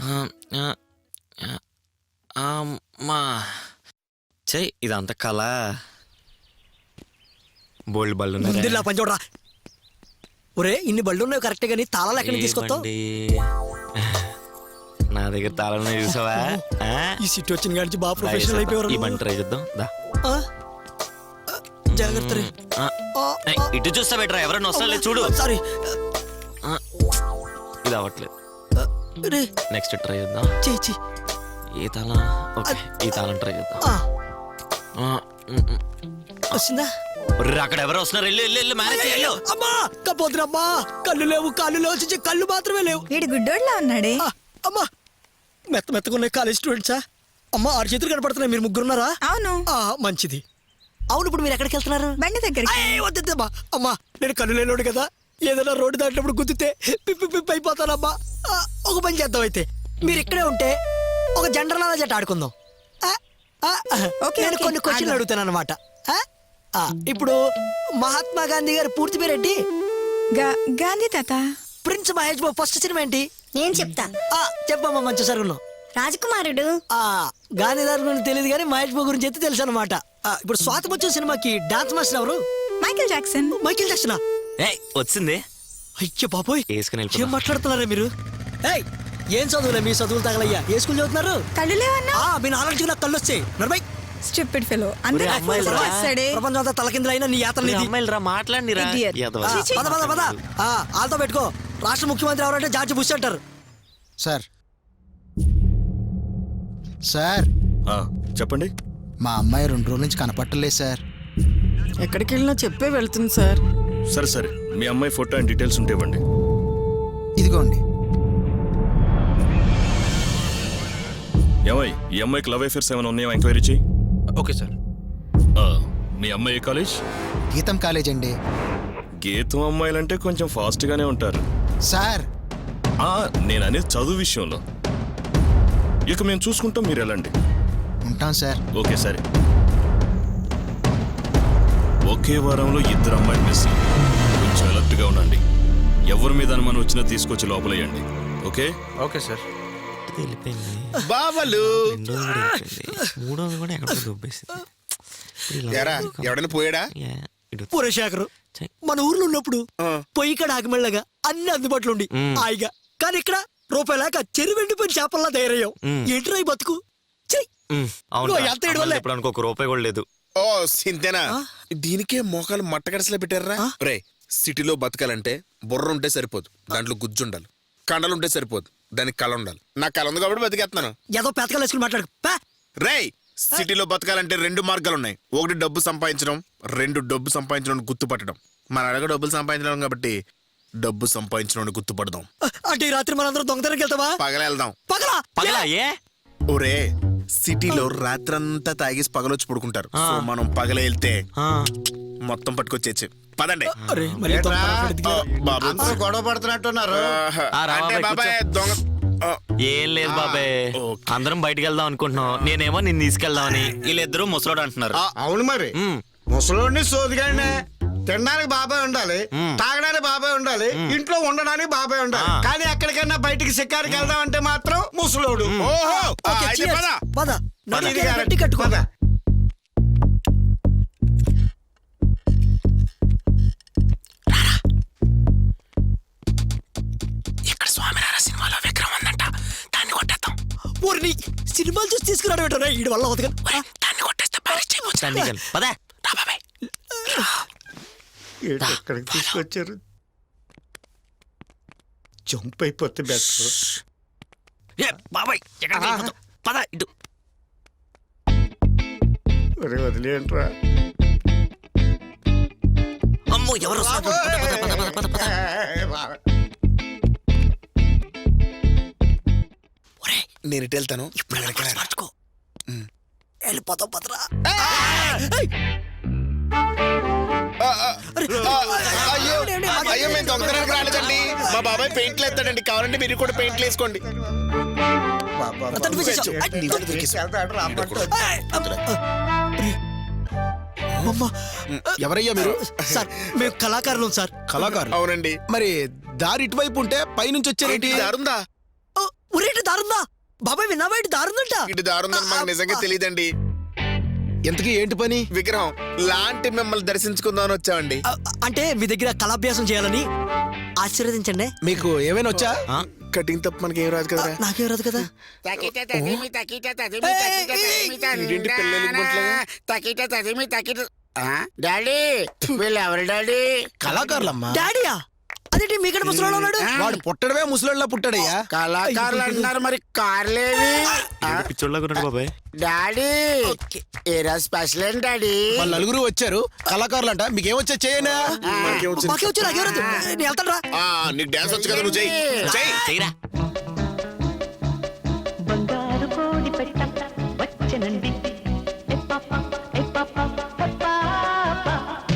అమ్మా చెయ్యి ఇదంతా కళ. బోల్డ్ బళ్ళు ముందు పని చూడరా. ఒరే ఇన్ని బళ్ళు ఉన్నాయి కరెక్టే కానీ తాళాలు ఎక్కడి నుంచి తీసుకొస్తావు? నా దగ్గర తాళం చూసావా? ఈ సిటీ వచ్చిన కాడి బాగా ప్రొఫెషనల్ అయిపోయారు. ఈ బండి ట్రై చేద్దాం. జాగ్రత్త రే. ఇటు చూస్తా బెటరా, ఎవరైనా వస్తా చూడు. సారీ ఇది అవ్వట్లేదు. నెక్స్ట్ ట్రై చేద్దాం. చేయి. ఏ తాళం? ఓకే ఈ తాళం ట్రై చేద్దాం. వచ్చిందా? అక్కడ ఎవరో వస్తున్నారు, వెళ్ళు మేనేజ్ చేయాలి. అమ్మా కపోతురమ్మా, కళ్ళు లేవు వచ్చి కళ్ళు మాత్రమే లేవు. వీడి గుడ్డోడ్లా ఉన్నాడే. అమ్మా మెత్తగున్నాయి కాలేజ్ స్టూడెంట్సా? అమ్మా 6 చేతులు కనపడుతున్నాయి. మీరు ముగ్గురున్నారా? అవును. మంచిది. అవును ఇప్పుడు మీరు ఎక్కడికి వెళ్తున్నారు? బండి దగ్గరికి. వద్దమ్మా. అమ్మా నేను కళ్ళు లేనోడు కదా, ఏదైనా రోడ్డు దాటినప్పుడు గుద్దితే పిప్పి అయిపోతానమ్మా. ఒక పని చేద్దాం అయితే, మీరు ఇక్కడే ఉంటే ఒక జనరల్ జట్టు ఆడుకుందాం. నేను కొన్ని క్వశ్చన్లు అడుగుతాను అనమాట. ఇప్పుడు మహాత్మా గాంధీ గారి పూర్తి పేరేంటి? గాంధీ తాత. ప్రిన్స్ మహేష్ బాబు ఫస్ట్ సినిమా ఏంటి? నేను చెప్తా. చెప్పమ్మా మంచి సరుగును. రాజకుమారుడు. గాంధీ గారి గురించి తెలియదు కానీ మహేష్ బాబు గురించి అయితే తెలుసు అనమాట. ఇప్పుడు స్వాతి వచ్చే సినిమాకి డాన్స్ మాస్టర్ ఎవరు? Michael Jackson. మైకేల్ జాక్సనా? వచ్చింది. అయ్యో బాబోయ్ ఏం మాట్లాడుతున్నారా మీరు? ఏం చదువులే మీ చదువులు తగలయ్యా. ఏ స్కూల్ చదువుతున్నారు? కళ్ళు లేవన్నా? మీ నాలెడ్జ్ నాకు కళ్ళు వచ్చాయి. Stupid fellow. ప్రపంచం అంతా తలకిందులైనా నీ యాత్ర మాట్లాడిరా. వాళ్ళతో పెట్టుకో. రాష్ట్ర ముఖ్యమంత్రి ఎవరంటే జార్జి బుష్ అంటారు. సార్ సార్ చెప్పండి. మా అమ్మాయి 2 రోజుల నుంచి కనపట్టలేదు సార్. ఎక్కడికి వెళ్ళినా చెప్పే వెళ్తుంది సార్. సరే మీ అమ్మాయి ఫోటో అండ్ డీటెయిల్స్ ఉంటే ఇవ్వండి. ఇదిగోండి. ఏమై ఈ అమ్మాయికి లవ్ అఫేర్స్ ఏమైనా ఉన్నాయో ఎంక్వైరీ చెయ్యి. Okay sir. మీ అమ్మాయి ఏ కాలేజ్? గీతం కాలేజ్ అండి. గీతం అమ్మాయిలంటే కొంచెం ఫాస్ట్ గానే ఉంటారు సార్. నేను అనేది చదువు విషయంలో. ఇక మేము చూసుకుంటాం, మీరు వెళ్ళండి. ఉంటాం సార్. ఓకే సరే. ఒకే వారంలో 2 అమ్మాయిలు మిస్. కొంచెం అలర్ట్ గా ఉండండి. ఎవరి మీద అనుమానం వచ్చినా తీసుకొచ్చి లోపలేయండి. ఓకే? Okay sir. బావలు మూడోది కూడా ఎక్కడ దొబ్బేసింది. ఎవడైనా పోయాడా? పురశేఖరు మన ఊర్లో ఉన్నప్పుడు పొయ్యి కడ ఆగమెళ్ళగా అన్ని అందుబాటులో ఉండి హాయిగా, కానీ ఇక్కడ రూపాయి లేక చెరువు ఎండిపోయిన చేపల్లా తయారయ్యావు. ఏంట్రా ఈ బతుకు? ఒక రూపాయి కూడా లేదు. ఓ సింతేనా? దీనికే మోకాలు మట్టగడసలా పెట్టారా? రే సిటీలో బతకాలంటే బుర్ర ఉంటే సరిపోదు, దాంట్లో గుజ్జుండాలి. కండలుంటే సరిపోదు, దానికి కళ ఉండాలి. నాకు కళ ఉంది కాబట్టి బతికేస్తున్నాను. ఏదో పెతకాలు వేసుకుని మాట్లాడు. రే సిటీలో బతకాలంటే 2 మార్గాలు ఉన్నాయి. ఒకటి డబ్బు సంపాదించడం, 2 డబ్బు సంపాదించడం గుర్తుపట్టడం. మన అడగ డబ్బులు సంపాదించడం కాబట్టి డబ్బు సంపాదించడం గుర్తుపడదాం. అంటే రాత్రి మనందరం దొంగతనానికి వెళ్తావా? పగలేద్దాం. పగలా? ఒరే సిటీలో రాత్రంతా తాగేసి పగలొచ్చి పడుకుంటారు. సో మనం పగల వెళ్తే మొత్తం పట్టుకొచ్చేచ్చు. పదండి. గొడవ పడుతున్నట్టున్నారు. అంటే బాబాయ్ దొంగ ఏం లేదు బాబాయ్, అందరం బయటకు వెళ్దాం అనుకుంటున్నాం. నేనేమో నిన్ను తీసుకెళ్దామని, వీళ్ళిద్దరూ ముసలోడు అంటున్నారు. అవును మరి ముసలోడిని సోదిగానే. తినడానికి బాబాయ్ ఉండాలి, తాగడానికి బాబాయ్ ఉండాలి, ఇంట్లో ఉండడానికి బాబాయ్ ఉండాలి. కానీ ఎక్కడికైనా బయటికి షికారికి వెళ్దాం అంటే మాత్రం ముసలోడు. కట్టుకోదా? ఇక్కడ స్వామినారా సినిమాలో విక్రమ్ ఉందంట, దాన్ని కొట్టేద్దాం. ఊరిని సినిమాలు చూసి తీసుకురావడం ఏంటో వీడి వల్ల అవుతుంది. దాన్ని కొట్టేస్తే పదా బాబాయ్. ఎక్కడికి తీసుకొచ్చారు? జంప్ అయిపోతే బెటర్. బాబాయ్ పద ఇటు. వదిలేంట్రా. అమ్మో ఎవరు? నేను ఇటు వెళ్తాను. మార్చుకో. వెళ్ళిపోతాం పదరా. అయ్యో మేము దొంగతనానికి రాలేదండి. మా బాబాయ్ పెయింట్లు వేస్తాడండి, కావాలంటే మీరు కూడా పెయింట్లు వేసుకోండి. ఎవరయ్యా మీరు? సార్ మేము కళాకారులు సార్. కళాకారులు? అవునండి. మరి దారి ఇటువైపు ఉంటే పైనుంచి వచ్చారేంటి? దారుందా? ఒరేటి దారుందా బాబాయ్ విన్నావా ఇటు దారుందంట ఇటు దారుందని మాకు నిజంగా తెలియదండి. ఎంతకీ ఏంటి పని? విగ్రహం లాంటి మిమ్మల్ని దర్శించుకుందామని వచ్చామండి. అంటే మీ దగ్గర కళాభ్యాసం చేయాలని ఆశీర్వదించండి. మీకు ఏమైనా వచ్చా? కటింగ్ తప్ప మనకి ఏం రాదు కదా. నాకేం రాదు కదా. డాడీ వీళ్ళు ఎవరు డాడీ? కళాకారులమ్మా. డాడీయా అదేంటి మీకంటే ముసలోడు ఉన్నాడు? వాడు పుట్టడమే ముసలోళ్ళ పుట్టాడయ్యా. కళాకారులు అంటున్నారు మరి కార్లేవి? పిచ్చోళ్ళగా ఉన్నాడు బాబాయ్. డాడీ ఏరా స్పెషల్ ఏంటి డాడీ? వాళ్ళ నలుగురు వచ్చారు కళాకారులు అంట. మీకేమొచ్చా చేయనా? మాకే వచ్చు నాకేం రాదు. నేను వెళ్తాను రా. నీకు డాన్స్ వచ్చు కదా, నువ్వు చెయ్యి. చెయ్యరా. బంగారు కోడి పెట్ట వచ్చనండి ఏ పాప ఏ పాప ఏ పాప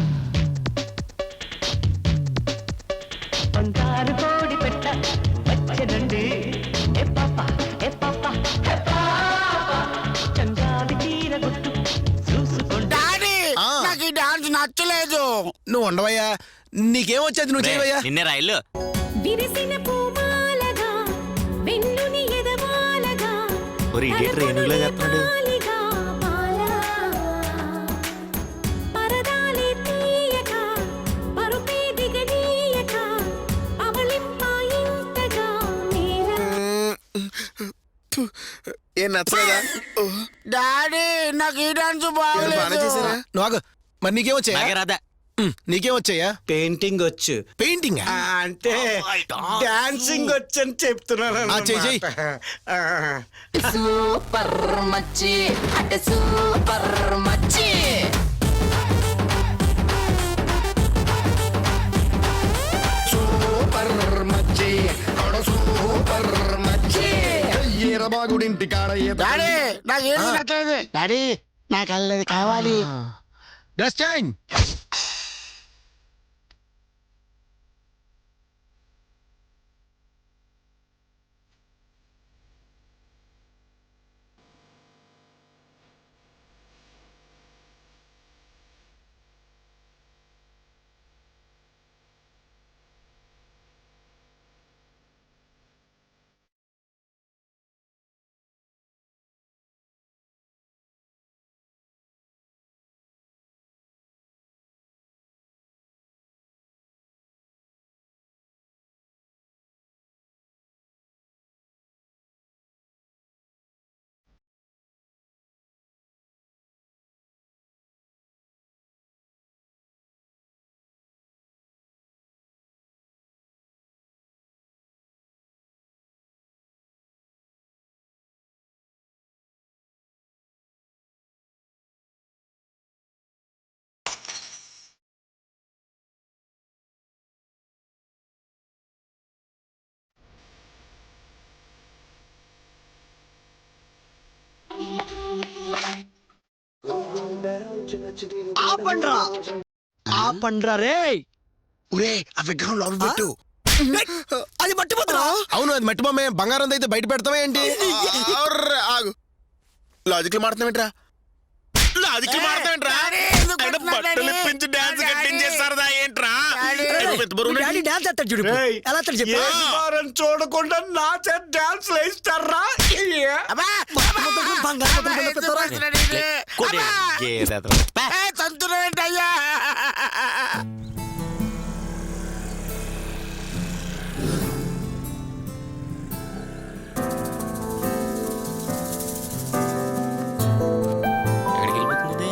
బంగారు కోడి పెట్ట వచ్చనండి ఏ పాప ఏ పాప ఏ పాప చందాది చీర గుట్టు చూసుకోండి. డాడీ నాకు ఈ డాన్స్ నచ్చలేదు. నువ్వు ఉండవయ్యా. నీకేమొచ్చేది నువ్వు చేయవయ్యా. నిన్నే రైలు. విరిసిన పూమాలగా వెన్నుని ఎదవాలగా ఒరే ఇడియట్ రేణుగులా చేస్తున్నాడు. పరదాలి తీయక పరుపే దిగనీయక అవలింపాయింతగా నేల ఏం నచ్చలేదా? డాడీ నాకు ఈ డాన్స్ బాగానే బాగలేదు. చేశారా? నువ్వు ఆగు. మరి నీకేమొచ్చాయా? నాకే రాదా. నీకేమొచ్చాయా? పెయింటింగ్ వచ్చు. పెయింటింగ్. అంటే డాన్సింగ్ వచ్చని చెప్తున్నాను. చెయ్యి. సూపర్ మచ్చి అంటే సూపర్ మచ్చి సూపర్ మచ్చి సూపర్ మచ్చి. డాడీ నాకు ఏం నచ్చలేదు. డాడీ నాకు అల్లది కావాలి. Dress change. ఆపండ్రా రే. ఒరే ఆ విగ్రహం లోపల పెట్టు. అది మట్టిపోతురా. అవును అది మట్టి బొమ్మే. బంగారం అయితే బయట పెడతావా ఏంటి? ఆగు. లాజిక్లు మాడుతున్నావేంట్రా? లాజిక్లు మాడుతున్నావేంట్రా? ఆయన బట్టలు ఇప్పించి డాన్స్ కట్టించేస్తారదా ఏంట్రా? పెద్ద బరువు ఉన్నాడు. డాడీ డాన్స్ చేస్తాడు చూడు. ఎలా చేస్తాడు చెప్పు. వారం చూడకుండా నా చేత డాన్స్ వేయిస్తారా? బంగారం ముద్దలు పెడతారా? కొడే గేదెతో. పా. తంతులేంటయ్యా? ఎక్కడికి వెళ్ళిపోతుంది?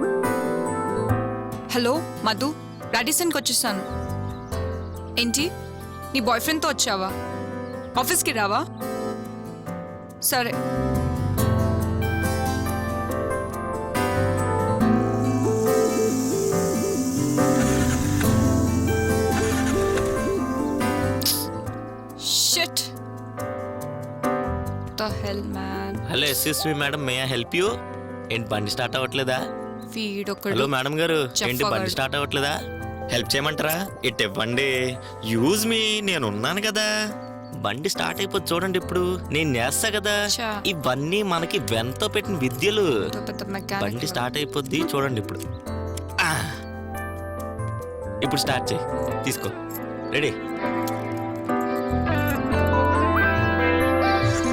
హలో మధు, రాడిసన్కి వచ్చేసాను. ఏంటి నీ బాయ్ ఫ్రెండ్తో వచ్చావా? ఆఫీస్కి రావా? సరే. Shit the hell man. Hello SSV madam, may I help you? ఏంటి బండి స్టార్ట్ అవ్వట్లేదా? వీడొకడు. హలో మేడం గారు, ఏంటి చెప్పగలడు. బండి స్టార్ట్ అవ్వట్లేదా? హెల్ప్ చేయమంటారా? ఇట్ ఇవ్వండి. యూజ్ మీ, నేను ఉన్నాను కదా. బండి స్టార్ట్ అయిపోతుంది చూడండి. ఇప్పుడు నేను చేస్తా కదా. చా. ఇవన్నీ మనకి వెంతో పెట్టిన విద్యలు. పెద్ద మెకానిక్. బండి స్టార్ట్ అయిపోద్ది చూడండి ఇప్పుడు. ఆ. ఇప్పుడు స్టార్ట్ చేయి. తీసుకో. రెడీ?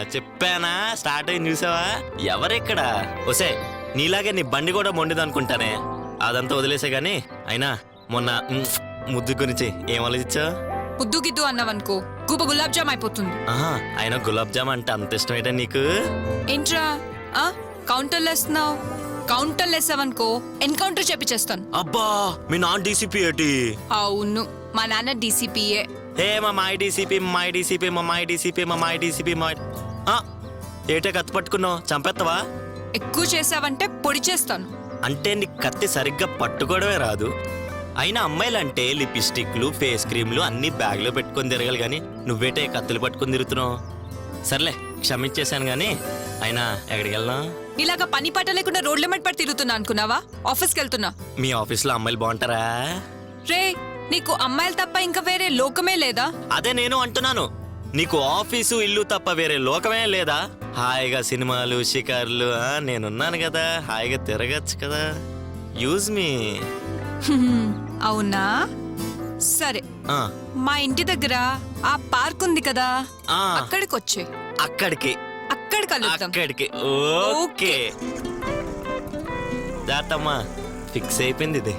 చెప్పానా స్టార్ట్ అయింది చూసావా? ఎవరెక్కడ ఒసే నీలాగే నీ బండి కూడా మొండిదనుకుంటానే. అదంతా వదిలేసే గాని అయినా మొన్న ముద్దు గురించి ఏం ఆలోచించావు? ముద్దు గిద్దు అన్నావనుకో గూబ గులాబ్ జామ్ అయిపోతుంది. ఆహా, అయినా గులాబ్ జామ్ అంటే అంత ఇష్టమేటా నీకు? ఏంట్రా కౌంటర్లు వేస్తున్నావు? కౌంటర్లు వేసావనుకో ఎన్కౌంటర్ చేపించేస్తాను. అబ్బా మీ నాన్న డీసీపీ ఏటి? అవును మా నాన్న డీసీపీఏ. ఏ మా మాయ డీసీపీ మాయ డీసీపీ మా మాయ డీసీపీ మా మాయ డీసీపీ మా ఏటే కత్తి పట్టుకున్నావు? చంపేస్తావా? ఎక్కువ చేసావంటే పొడి చేస్తాను. అంటే నీ కత్తి సరిగ్గా పట్టుకోవడమే రాదు. అయినా అమ్మాయిలంటే లిప్స్టిక్లు ఫేస్ క్రీమ్లు అన్ని బ్యాగ్లో పెట్టుకొని తిరగాలి కానీ నువ్వేటే కత్తులు పట్టుకొని తిరుగుతున్నావు. సర్లే క్షమించేశాను కానీ అయినా ఎక్కడికి వెళ్దాం? ఇలాగా పని పాట లేకుండా రోడ్ల మెట్ పడి తిరుగుతున్నా అనుకున్నావా? ఆఫీస్కి వెళ్తున్నా. మీ ఆఫీస్లో అమ్మాయిలు బాగుంటారా? రే నీకు అమ్మాయిలు తప్ప ఇంకా వేరే లోకమే లేదా? అదే నేను అంటున్నాను. నీకు ఆఫీసు ఇల్లు తప్ప వేరే లోకమే లేదా? హాయిగా సినిమాలు షికార్లు నేనున్నాను కదా, హాయిగా తిరగచ్చు కదా. Use me. అవునా సరే, మా ఇంటి దగ్గర ఆ పార్క్ ఉంది కదా, అక్కడికి వచ్చే. అక్కడికి అక్కడ కలుద్దాం. అక్కడికి ఓకే. జాతమ్మా ఫిక్స్ అయిపోయింది ఇది.